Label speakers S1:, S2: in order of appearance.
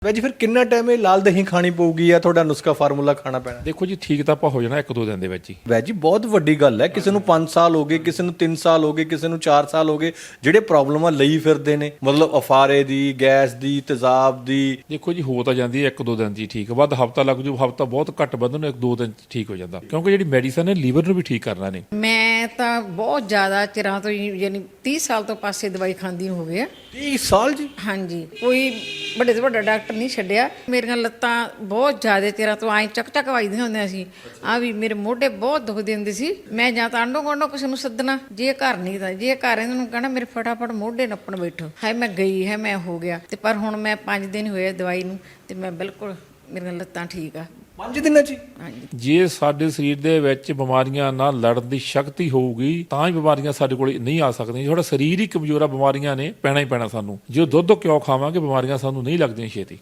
S1: Veggie ਫਿਰ ਕਿੰਨਾ time ਇਹ ਲਾਲ ਦਹੀਂ ਖਾਣੀ ਪਊਗੀ ਜਾਂ ਤੁਹਾਡਾ ਨੁਸਖਾ ਫਾਰਮੂਲਾ ਖਾਣਾ ਪੈਣਾ?
S2: ਦੇਖੋ ਜੀ, ਠੀਕ ਤਾਂ ਆਪਾਂ ਹੋ ਜਾਣਾ 1-2 ਦਿਨ ਦੇ ਵਿੱਚ ਹੀ।
S1: ਵੈਜੀ ਬਹੁਤ ਵੱਡੀ ਗੱਲ ਹੈ, ਕਿਸੇ ਨੂੰ 5 ਸਾਲ ਹੋ ਗਏ, ਕਿਸੇ ਨੂੰ 3 ਸਾਲ ਹੋ ਗਏ, ਕਿਸੇ ਨੂੰ 4 ਸਾਲ ਹੋ ਗਏ, ਜਿਹੜੇ ਪ੍ਰੋਬਲਮਾਂ ਲਈ ਫਿਰਦੇ ਨੇ, ਮਤਲਬ ਅਫਾਰੇ ਦੀ, ਗੈਸ ਦੀ, ਤੇਜ਼ਾਬ ਦੀ।
S2: ਦੇਖੋ ਜੀ, ਹੋ ਤਾਂ ਜਾਂਦੀ ਹੈ 1-2 ਦਿਨ 'ਚ ਹੀ ਠੀਕ। ਵੱਧ ਹਫ਼ਤਾ ਲੱਗ ਜੂ, ਹਫ਼ਤਾ ਬਹੁਤ ਘੱਟ ਵੱਧ ਨੂੰ 1-2 ਦਿਨ 'ਚ ਠੀਕ ਹੋ ਜਾਂਦਾ, ਕਿਉਂਕਿ ਜਿਹੜੀ ਮੈਡੀਸਨ ਹੈ ਲੀਵਰ ਨੂੰ ਵੀ ਠੀਕ ਕਰਨਾ ਨੇ।
S3: ਮੈਂ ਤਾਂ ਬਹੁਤ ਜ਼ਿਆਦਾ ਚਿਰਾਂ ਤੋਂ ਯਾਨੀ 30 ਸਾਲ ਤੋਂ ਪਾਸੇ ਦਵਾਈ ਖਾਂਦੀ ਹੋ ਗਿਆ।
S1: 30 ਸਾਲ ਜੀ?
S3: ਹਾਂਜੀ, ਕੋਈ ਵੱਡੇ ਤੋਂ ਵੱਡਾ ਡਾਕਟਰ ਨਹੀਂ ਛੱਡਿਆ। ਮੇਰੀਆਂ ਲੱਤਾਂ ਬਹੁਤ ਜ਼ਿਆਦਾ ਚਿਰਾਂ ਤੋਂ ਐਂ ਚੱਕ ਵੱਜਦੀਆਂ ਹੁੰਦੀਆਂ ਸੀ। ਆ ਵੀ ਮੇਰੇ ਮੋਢੇ ਬਹੁਤ ਦੁਖਦੇ ਹੁੰਦੇ ਸੀ। ਮੈਂ ਜਾਂ ਤਾਂ ਆਂਢੋ ਗੁਆਂਢੋਂ ਕਿਸੇ ਨੂੰ ਸੱਦਣਾ, ਜੇ ਘਰ ਨਹੀਂ ਤਾਂ ਜੇ ਘਰ ਇਹਨਾਂ ਨੂੰ ਕਹਿਣਾ ਮੇਰੇ ਫਟਾਫਟ ਮੋਢੇ ਨੱਪਣ ਬੈਠੋ। ਹੈ ਮੈਂ ਗਈ ਹੈ, ਮੈਂ ਹੋ ਗਿਆ। ਤੇ ਪਰ ਹੁਣ ਮੈਂ 5 ਦਿਨ ਹੋਏ ਦਵਾਈ ਨੂੰ ਤੇ ਮੈਂ ਬਿਲਕੁਲ, ਮੇਰੀਆਂ ਲੱਤਾਂ ਠੀਕ ਆ
S1: 5 ਦਿਨਾਂ 'ਚ ਹੀ?
S3: ਹਾਂਜੀ।
S2: ਜੇ ਸਾਡੇ ਸਰੀਰ ਦੇ ਵਿੱਚ ਬਿਮਾਰੀਆਂ ਨਾਲ ਲੜਨ ਦੀ ਸ਼ਕਤੀ ਹੋਊਗੀ ਤਾਂ ਹੀ ਬਿਮਾਰੀਆਂ ਸਾਡੇ ਕੋਲ ਨਹੀਂ ਆ ਸਕਦੀਆਂ। ਸਾਡਾ ਸਰੀਰ ਹੀ ਕਮਜ਼ੋਰ ਆ, ਬਿਮਾਰੀਆਂ ਨੇ ਪੈਣਾ ਹੀ ਪੈਣਾ ਸਾਨੂੰ। ਜੇ ਦੁੱਧ ਕਿਉਂ ਖਾਵਾਂਗੇ, ਬਿਮਾਰੀਆਂ ਸਾਨੂੰ ਨਹੀਂ ਲੱਗਦੀਆਂ ਛੇਤੀ।